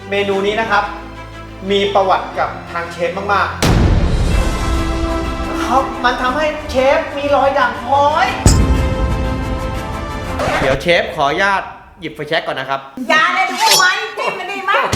เมนูนี้นะครับมีประวัติกับทางเชฟมากๆมันทำให้เชฟมีรอยด่างพร้อย เดี๋ยวเชฟขออนุญาตหยิบไฟแช็กก่อนนะครับอย่าเลยดูไหมจิ้มมันดีมั้ย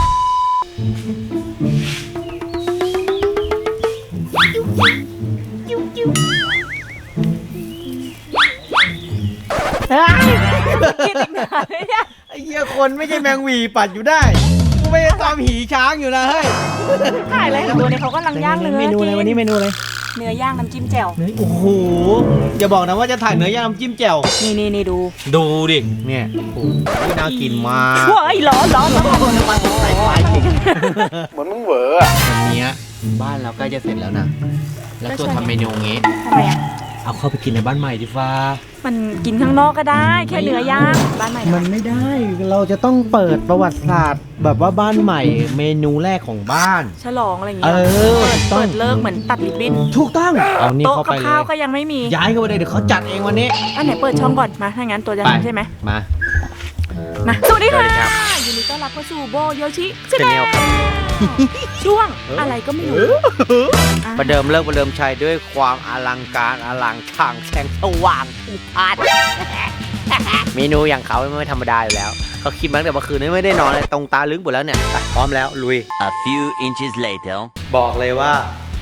กินอีกหน่อยเนี่ยไอ้เหี้ยคนไม่ใช่แมงหวีปัดอยู่ได้กูไม่ได้ตามหีช้างอยู่นะเฮ้ยถ่ายอะไรกับตัวนี้เขากำลังย่างเนื้อเมนูอะไรวันนี้เมนูอะไรเนื้อย่างน้ำจิ้มแจ่วโอ้โหอย่าบอกนะว่าจะถ่ายเนื้อย่างน้ำจิ้มแจ่วนี่ดูดิเนี่ยโอ้โหน่ากินมากว้ายร้อนน้ำมันใส่ไฟเหมือนมึงเหวออะวันนี้บ้านเราใกล้จะเสร็จแล้วนะแล้วตัวทำเมนูงี้ทำไมอะเอาเข้าไปกินในบ้านใหม่ดิฟ้ามันกินข้างนอกก็ได้แค่เนื้อย่างบ้านใหม่มันไม่ได้เราจะต้องเปิดประวัติศาสตร์แบบว่าบ้านใหม่เมนูแรกของบ้านฉลองอะไรอย่างเงี้ยเปิดเลิกเหมือนตัดริบบิ้นถูกต้องเอานี่เข้าไปเลยโต๊ะกับข้าวก็ยังไม่มีย้ายเข้าไปเลยเดี๋ยวเขาจัดเองวันนี้อันไหนเปิดช่องก่อนมาถ้างั้นตัวจะทำใช่ไหมมาสวัสดีค่ะยินดีต้อนรับเข้าสู่โบโยชิชาแนลช่วงอะไรก็ไม่รู้ประเดิมเลิกประเดิมชัยด้วยความอลังการอลังช่างแสงสว่างอุทานเมนูอย่างเขาไม่ธรรมดาอยู่แล้วเขาคิดมาตั้งแต่เมื่อคืนนี้ไม่ได้นอนเลยตรงตาลึกหมดแล้วเนี่ยพร้อมแล้วลุย A few inches later บอกเลยว่า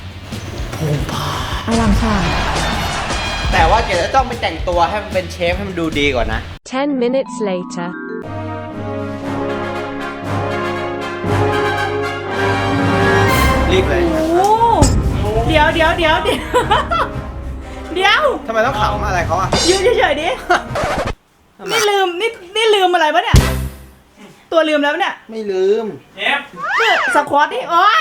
อลังช่างแต่ว่าเดี๋ยวจะต้องไปแต่งตัวให้มันเป็นเชฟให้มันดูดีก่อนนะ 10 minutes later รีบเลยเดี๋ยวทำไมต้องขำอะไรเขาอะยืนเฉยๆดินี่ลืมอะไรปะเนี่ยตัวลืมแล้วเนี่ยไม่ลืมเชฟสควอตดิโอ้ย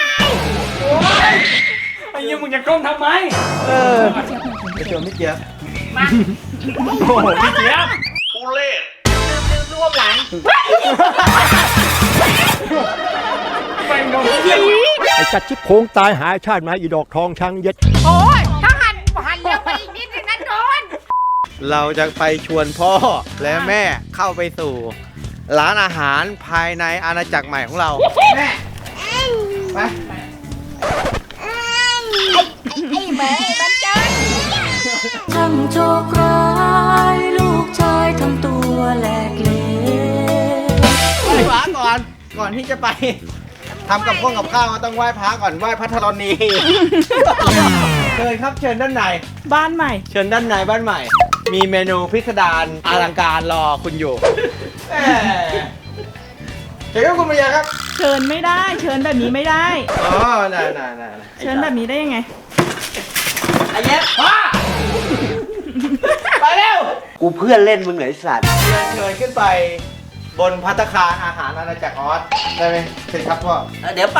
ไอ้ยังมึงจะก้มทำไมไม่เจอไม่เจี๊ยบมาโอ้โหพี่เจี๊ยบกูเล่ลืมรวบหลังไอ้จัดชิบโค้งตายหายชาติมาอีดอกทองช้างเย็ดโอ้ยถ้าหันเร็วไปอีกนิดนึงนะโดนเราจะไปชวนพ่อและแม่เข้าไปสู่ร้านอาหารภายในอาณาจักรใหม่ของเราแม่ไปไอ้แม่มันเจอช่างโชคร้ายลูกชายทำตัวแหลกเละไหว้พระก่อนที่จะไปทำกับข้าวต้องไหว้พระก่อนไหว้พระธรณีเชิญครับเชิญด้านในบ้านใหม่เชิญด้านในบ้านใหม่มีเมนูพิสดารอลังการรอคุณอยู่เชิญครับคุณมาริยาครับเชิญไม่ได้เชิญแบบนี้ไม่ได้อ๋อน่าเชิญแบบนี้ได้ยังไงไอ้เย็บพ่อไปเร็วกูเพื่อนเล่นมึงเหรอไอ้สัตว์เชิญขึ้นไปบนภัตตาคารอาหารอาณาจักรออสได้ไหมเชิญครับพ่อเดี๋ยวไป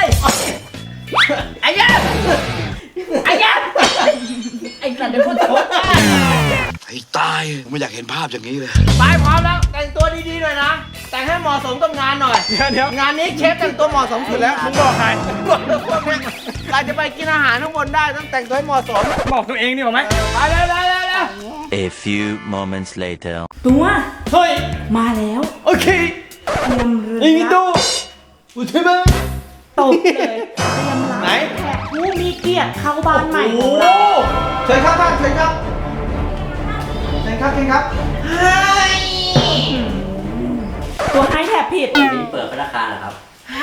ไอ้ยันไอ้สัตว์เดี๋ยวพูดโทษไอ้ตายไม่อยากเห็นภาพอย่างนี้เลยไปพร้อมแล้วแต่งตัวดีๆหน่อยนะแต่งให้เหมาะสมกับงานหน่อยเดี๋ยวงานนี้เชฟแต่งตัวเหมาะสมสุดแล้วมึงบอกใครเราจะไปกินอาหารข้างบนได้ต้องแต่งตัวให้เหมาะสมบอกตัวเองดีกว่าไหมไปเลย A few moments later ตัวเฮ้ยมาแล้วโอเคเตรียมเรือนี่ดูอุทิศมาตกเลยเตรียมร้านแขกผู้มีเกียรติเข้าบ้านใหม่ของเราเชิญครับท่านเชิญครับตัวให้แถบผิดเปิดพัตตาคารเหรอครับ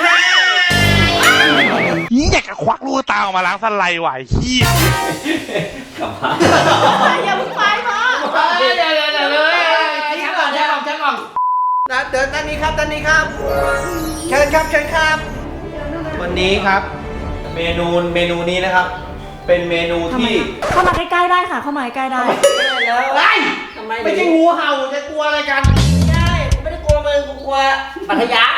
อยากจะควักลูกตาออกมาล้างสไลด์ไหวขี้กลับมาอย่าเพิ่งไปพ่อเดี๋ยวฉันก่อนนะเดินด้านนี้ครับเชิญครับวันนี้ครับเมนูนี้นะครับเป็นเมนูที่เข้ามาใกล้ๆได้ค่ะเข้ามาใกล้ๆได้ไม่ใช่งูเห่าจะกลัวอะไรกันใช่ไม่ได้กลัวมึงกูกลัวปัทยา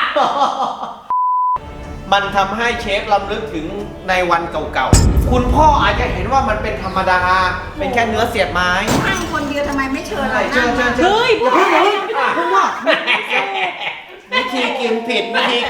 มันทำให้เชฟรำลึกถึงในวันเก่าๆคุณพ่ออาจจะเห็นว่ามันเป็นธรรมดาเป็นแค่เนื้อเสียบไม้นั่งคนเดียวทำไมไม่เชิญเชิญเฮ้ยอย่าเพิ่งว่าวิธีกินผิด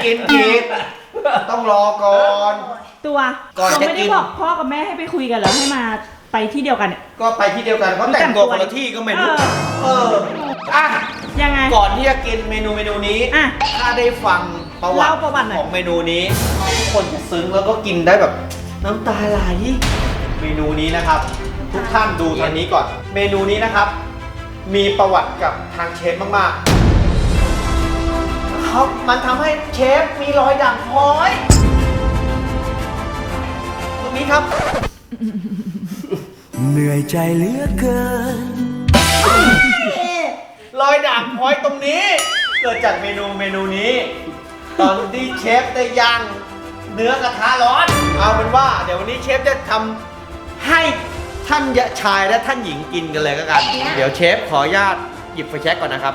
ต้องรอก่อนตัวก่อนจะไม่ได้บอกพ่อกับแม่ให้ไปคุยกันแล้วให้มาไปที่เดียวกันเนี่ยก็ไปที่เดียวกันเขาแต่งตัวคนละที่ก็ไม่รู้ยังไงก่อนที่จะกินเมนูนี้ถ้าได้ฟังประวัติเล่าประวัติหน่อยของเมนูนี้ทุกคนจะซึ้งแล้วก็กินได้แบบน้ำตาไหลเมนูนี้นะครับ ทุกท่านดูทางนี้ก่อน เมนูนี้นะครับ มีประวัติกับทางเชฟมากๆเขามันทำให้เชฟมีรอยด่างพร้อยตรงนี้ครับเหนื่อยใจเหลือเกินรอยด่างพร้อยตรงนี้ เกิดจากเมนูนี้ ตอนที่เชฟได้ย่างเนื้อกระทะร้อน เอาเป็นว่าเดี๋ยววันนี้เชฟจะทำให้ท่านชายและท่านหญิงกินกันเลยก็กัน เดี๋ยวเชฟขออนุญาตหยิบไฟแช็กก่อนนะครับ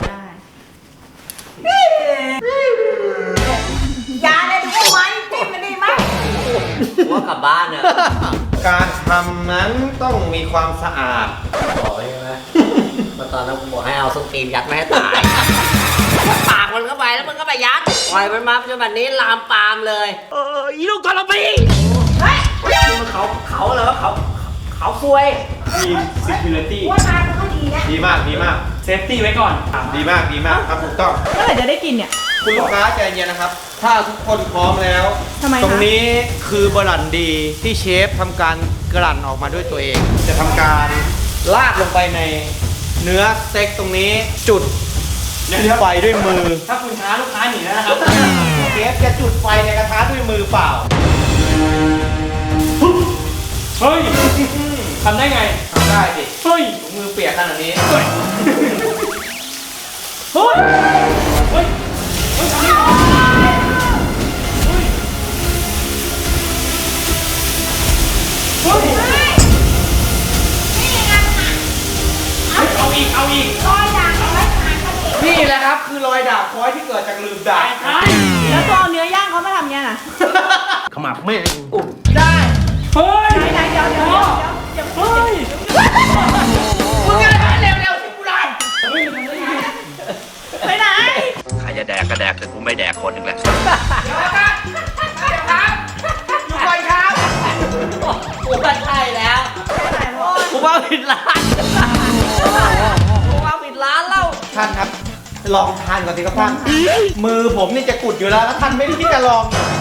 ยาเนี่ยดูไหมจิ้มมันดีไหมว่ากลับบ้านอะการทำนั้นต้องมีความสะอาดบอกใช่ไหมมาตอนนั้นผมบอกให้เอาส้นตีนยัดไม่ให้ตายปากมันเข้าไปแล้วมันก็ไปยัดปล่อยมันมาจนแบบนี้ลามปามเลยอีลูกกระปีนี่มันเขาเหรอเขาซวยมี security ว่าทานเขาดีนะดีมากดีมาก safety ไว้ก่อนดีมากดีมากครับถูกต้องเมื่อไหร่จะได้กินเนี่ยคุณลูกค้าใจเย็นนะครับ ถ้าทุกคนพร้อมแล้วทำไมคะตรงนี้คือบรันดีที่เชฟทำการกลั่นออกมาด้วยตัวเอง จะทำการลาดลงไปในเนื้อสเต็กตรงนี้จุดไฟด้วยมือถ้าคุณช้าลูกค้าหนีแล้วนะครับเชฟจะจุดไฟในกระทะด้วยมือเปล่าเฮ้ยทำได้ไงทำได้สิเฮ้ยมือเปียกขนาดนี้เฮ้ยเฮ้ยเฮ้ยทำได้เฮ้ยเอาอีกนี่แหละครับคือรอยด่างพร้อยที่เกิดจากลืมด่างใช่แล้วตัวเอาเนื้อย่างเขามาทำเนี่ยน่ะขมับแม่งได้เฮ้ยไหนเดี๋ยวเฮ้ยมึงอะไรเร็วๆสิกูได้ไปไหนใครจะแดกก็แดกแต่กูไม่แดกคนหนึ่งแหละอยู่ก่อนครับกูว่าใช่แล้วไปไหนพ่อกูว่าผิดร้านกูว่าผิดร้านแล้วท่านครับ ลองทานก่อนสิครับท่าน มือผมนี่จะกุดอยู่แล้วแล้วท่านไม่ได้ที่จะลอง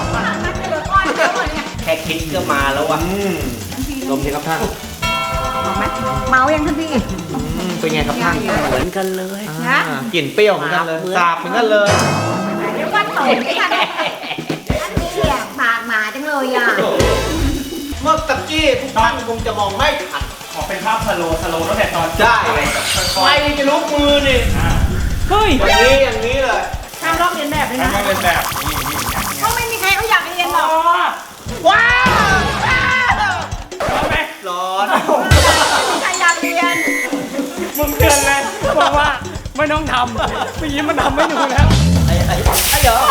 แค่คิดก็มาแล้ววะลมสิครับท่านเมายังท่านพี่เป็นไงครับท่านเหมือนกันเลยนะกลิ่นเปรี้ยวเหมือนกันเลยสาบเหมือนกันเลยเรียกว่าโตไม่ทันอันนี้อ่ะปากหมาจังเลยอ่ะเมื่อตะกี้ทุกท่านคงจะมองไม่ทันขอเป็นภาพสโลตั้งแต่ตอนได้ไฟจะลุกมือนี่เฮ้ยอย่างนี้เลยห้ามลอกเลียนแบบเลยทำนะให้เป็นแบบก็ไม่มีใครเขาอยากเรียนหรอกว้าวเอาไหมร้อนไม่มีใครอยากเรียนมึงเตือนเลยบอกว่าไม่ต้องทำเมื่อกี้มันทำไม่ดูแล้วเดี๋ยว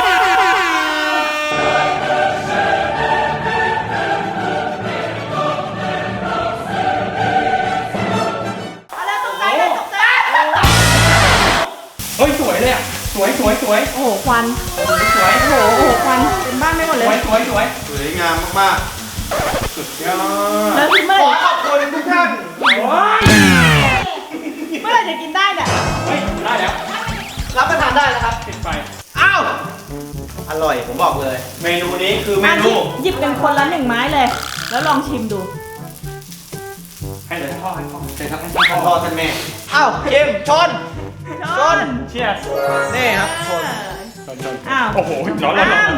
เอาแล้วตกใจเลยตกใจเฮ้ยสวยเลยอ่ะสวยโอ้โหควันสวยโอ้โหควันเป็นบ้านไม่หมดเลยสวยสวยงามมากๆสุดยอดแล้วพี่เมื่อขไหอร่ขอบคุณทุกท่านโอ้ยเมื่อไหร่จะกินได้เนี่ยเฮ้ยได้แล้วรับประทานได้นะครับติดไฟอ้าวอร่อยผมบอกเลย เมนูนี้คือเมนูหยิบกันคนละ1 ไม้เลย แล้วลองชิมดูให้เลยพ่อให้พ่อเชิญครับให้ท่านพ่อท่านแม่อ้าวเกมชน ชนเชียร์นี่ครับชนอ้าวโอ้โหร้อน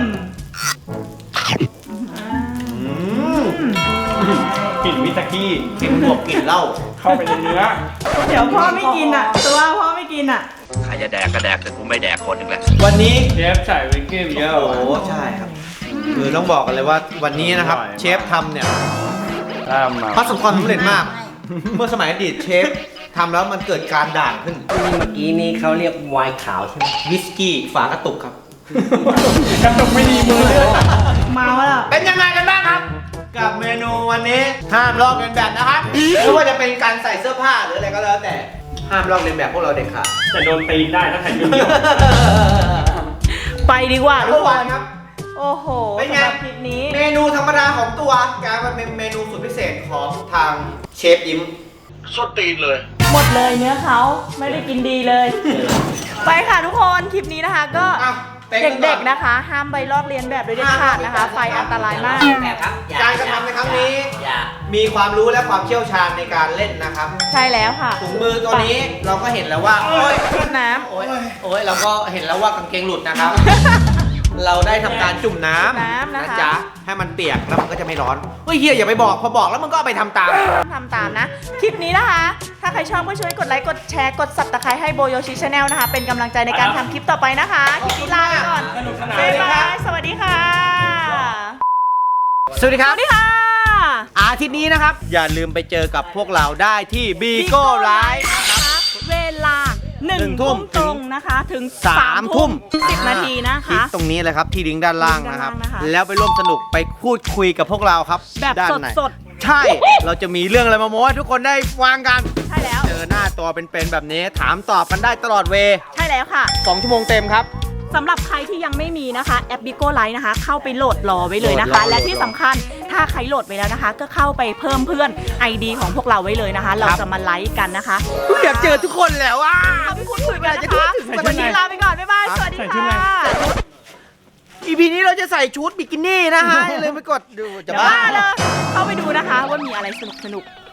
อืมกลิ่นวิตากี้เค็มบวกกลิ่นเหล้าเข้าไปในเนื้อเดี๋ยวพ่อไม่กินอ่ะ ตัวพ่อไม่กินอ่ะใครจะแดกก็แดกแต่กูไม่แดกคนหนึ่งแหละวันนี้เชฟใส่วิกกี้เยอะโอ้โหใช่ครับ คือต้องบอกกันเลยว่าวันนี้นะครับอร่อยมากเชฟทำเนี่ยตามมาประสบความสำเร็จมาก เมื่อสมัยอดีตเชฟทำแล้วมันเกิดการด่างขึ้นนี่เมื่อกี้นี่เขาเรียกไวน์ขาวใช่ไหมวิสกี้ฝากระตุกครับกระตุกไม่ดีมือเลยเมาแล้วเป็นยังไงกันบ้างครับ กับเมนูวันนี้ห้ามลอกเลียนแบบนะครับไม่ว่าจะเป็นการใส่เสื้อผ้าหรืออะไรก็แล้วแต่ห้ามลอกเลียนแบบพวกเราเด็ดขาดแต่โดนตีนได้ถ้าใครยุ่งไปดีกว่าทุเมื่กอควานนครับโอ้โหเป็นไงสำหรับคลิปนี้เมนูธรรมดาของตัวกลายมาเป็นเมนูสุดพิเศษของทางเชฟยิ้มสุดตีนเลยหมดเลยเนื้อเขาไม่ได้กินดีเลย ไปค่ะทุกคนคลิปนี้นะคะก็อ่ะเด็กๆนะคะ ห้ามใบลอกเลียนแบบโดยเด็ดขาดนะคะ ไฟอันตรายมากแบบครับอย่การกระทำในครั้งนี้อย่ามีความรู้และความเชี่ยวชาญในการเล่นนะครับใช่แล้วค่ะถุงมือตัวนี้เราก็เห็นแล้วว่าโอ้ยชุดน้โอ้ยเราก็เห็นแล้วว่ากางเกงหลุดนะครับ เราได้ทำการจุ่มน้ำนะจ๊ะให้มันเปียกแล้วมันก็จะไม่ร้อนเฮ้ยเฮียอย่าไปบอกพอบอกแล้วมันก็เอาไปทำตามำทำตามนะ คลิปนี้นะคะ ถ้าใครชอบก็ช่วยกดไลค์ กดแชร์ กด Subscribe ให้โบโยชิชาแนลนะคะ เป็นกำลังใจในการทำคลิปต่อไปนะคะ คลิปนี้ลาไปก่อนสนุกสนานบ๊ายบาย สวัสดีค่ะสวัสดีครับสวัสดีค่ะอาทิตย์นี้นะครับ อย่าลืมไปเจอกับพวกเราได้ที่บีโก้ไลฟ์เวลา 1 ทุ่มตรงนะคะ ถึง 3 ทุ่ม 10 นาทีนะคลิปคะตรงนี้เลยครับที่ลิงก์ด้านล่างนะครับลิงก์ด้านล่างนะคะแล้วไปร่วมสนุกไปพูดคุยกับพวกเราครับแบบด้านไหนสดใช่ เราจะมีเรื่องอะไรมาโม้ให้ทุกคนได้ฟังกันใช่แล้วเจอหน้าตัวเป็นๆแบบนี้ถามตอบกันได้ตลอดเวใช่แล้วค่ะ 2 ชั่วโมงเต็มครับสำหรับใครที่ยังไม่มีนะคะแอป Bigo Live นะคะ เข้าไปโหลดรอไว้เลยนะโหลคะดรอและที่สำคัญถ้าใครโหลดไปแล้วนะคะ ก็เข้าไปเพิ่มเพื่อน ID ของพวกเราไว้เลยนะคะ เราจะมาไลฟ์กันนะคะอยากเจอทุกคนแล้วอ่ะเอาไปพูดคุยกันนะคะวันนี้ลาไปก่อน บ๊ายบาย สวัสดีค่ะ EP นี้เราจะใส่ชุดบิกินี่นะฮะอย่าลืมไปกดดูจะบ้าบ้าเลยเข้าไปดูนะคะว่ามีอะไรสนุก